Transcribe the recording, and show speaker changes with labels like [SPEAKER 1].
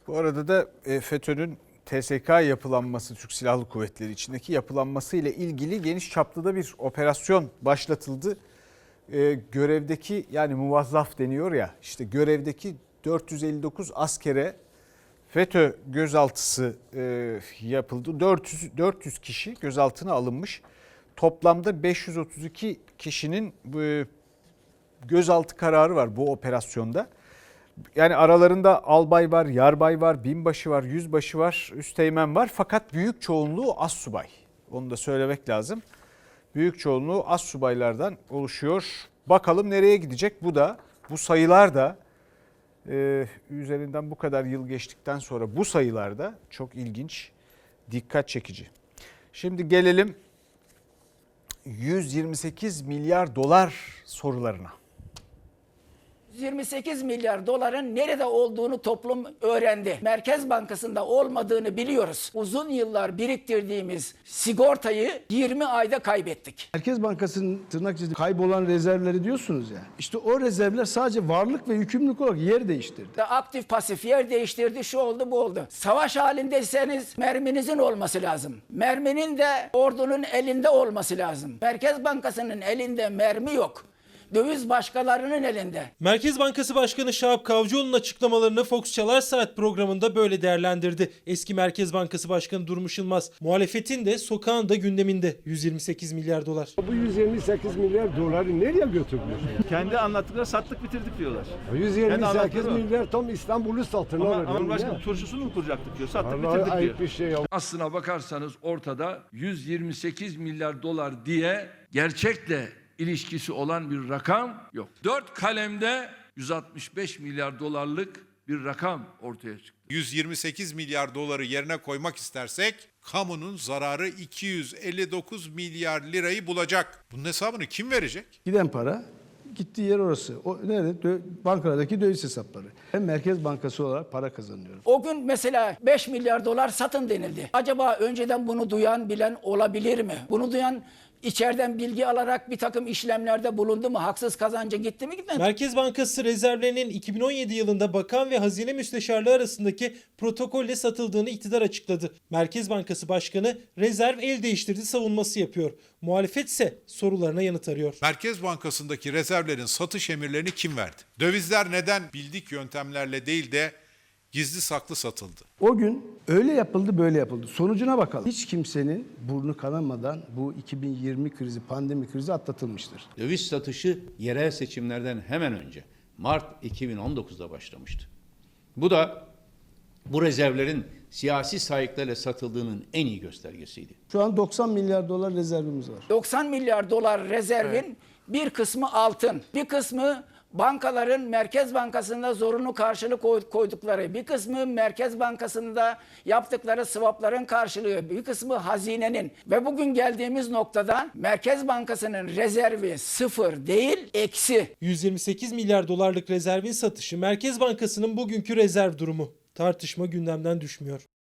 [SPEAKER 1] Bu arada da FETÖ'nün TSK yapılanması, Türk Silahlı Kuvvetleri içindeki yapılanması ile ilgili geniş çaplı da bir operasyon başlatıldı. Görevdeki, yani muvazzaf deniyor ya, işte görevdeki 459 askere FETÖ gözaltısı yapıldı. 400 kişi gözaltına alınmış. Toplamda 532 kişinin gözaltı kararı var bu operasyonda. Yani aralarında albay var, yarbay var, binbaşı var, yüzbaşı var, üsteğmen var. Fakat büyük çoğunluğu astsubay. Onu da söylemek lazım. Büyük çoğunluğu astsubaylardan oluşuyor. Bakalım nereye gidecek? Bu sayılar da üzerinden bu kadar yıl geçtikten sonra bu sayılar da çok ilginç, dikkat çekici. Şimdi gelelim 128 milyar dolar sorularına.
[SPEAKER 2] 128 milyar doların nerede olduğunu toplum öğrendi. Merkez Bankası'nda olmadığını biliyoruz. Uzun yıllar biriktirdiğimiz sigortayı 20 ayda kaybettik.
[SPEAKER 3] Merkez Bankası'nın tırnak içinde kaybolan rezervleri diyorsunuz ya. İşte o rezervler sadece varlık ve yükümlülük olarak yer değiştirdi.
[SPEAKER 2] Aktif pasif yer değiştirdi, şu oldu bu oldu. Savaş halindeyseniz merminizin olması lazım. Merminin de ordunun elinde olması lazım. Merkez Bankası'nın elinde mermi yok. Döviz başkalarının elinde.
[SPEAKER 4] Merkez Bankası Başkanı Şahap Kavcıoğlu'nun açıklamalarını Fox Çalar Saat programında böyle değerlendirdi. Eski Merkez Bankası Başkanı Durmuş Yılmaz, muhalefetin de sokağın da gündeminde 128 milyar dolar.
[SPEAKER 5] Bu 128 milyar doları nereye götürülüyor?
[SPEAKER 6] Kendi anlattıkları sattık bitirdik diyorlar.
[SPEAKER 5] 128 milyar tam İstanbul'u satın alır.
[SPEAKER 6] Ama başkanım turşusunu mu kuracaktık diyor. Sattık
[SPEAKER 5] Vallahi
[SPEAKER 6] bitirdik
[SPEAKER 5] ayıp
[SPEAKER 6] diyor.
[SPEAKER 5] bir şey ya.
[SPEAKER 7] Aslına bakarsanız ortada 128 milyar dolar diye gerçekle ilişkisi olan bir rakam yok. 4 kalemde 165 milyar dolarlık bir rakam ortaya çıktı.
[SPEAKER 8] 128 milyar doları yerine koymak istersek kamunun zararı 259 milyar lirayı bulacak. Bunun hesabını kim verecek?
[SPEAKER 3] Giden para gittiği yer orası. O nerede? Bankalardaki döviz hesapları. Ben Merkez Bankası olarak para kazanıyorum.
[SPEAKER 2] O gün mesela 5 milyar dolar satın denildi. Acaba önceden bunu duyan, bilen olabilir mi? Bunu duyan İçeriden bilgi alarak bir takım işlemlerde bulundu mu? Haksız kazanca gitti mi gitmedi mi?
[SPEAKER 4] Merkez Bankası rezervlerinin 2017 yılında bakan ve hazine müsteşarlığı arasındaki protokolle satıldığını iktidar açıkladı. Merkez Bankası Başkanı rezerv el değiştirdi savunması yapıyor. Muhalefet ise sorularına yanıt arıyor.
[SPEAKER 8] Merkez Bankası'ndaki rezervlerin satış emirlerini kim verdi? Dövizler neden bildik yöntemlerle değil de gizli saklı satıldı?
[SPEAKER 3] O gün öyle yapıldı, böyle yapıldı. Sonucuna bakalım. Hiç kimsenin burnu kanamadan bu 2020 krizi, pandemi krizi atlatılmıştır.
[SPEAKER 9] Döviz satışı yerel seçimlerden hemen önce Mart 2019'da başlamıştı. Bu da bu rezervlerin siyasi sahiplerle satıldığının en iyi göstergesiydi.
[SPEAKER 3] Şu an 90 milyar dolar rezervimiz var.
[SPEAKER 2] 90 milyar dolar rezervin bir kısmı altın, bir kısmı bankaların Merkez Bankası'nda zorunlu karşılık koydukları, bir kısmı Merkez Bankası'nda yaptıkları swapların karşılığı, bir kısmı hazinenin ve bugün geldiğimiz noktada Merkez Bankası'nın rezervi sıfır değil, eksi.
[SPEAKER 4] 128 milyar dolarlık rezervin satışı Merkez Bankası'nın bugünkü rezerv durumu. Tartışma gündemden düşmüyor.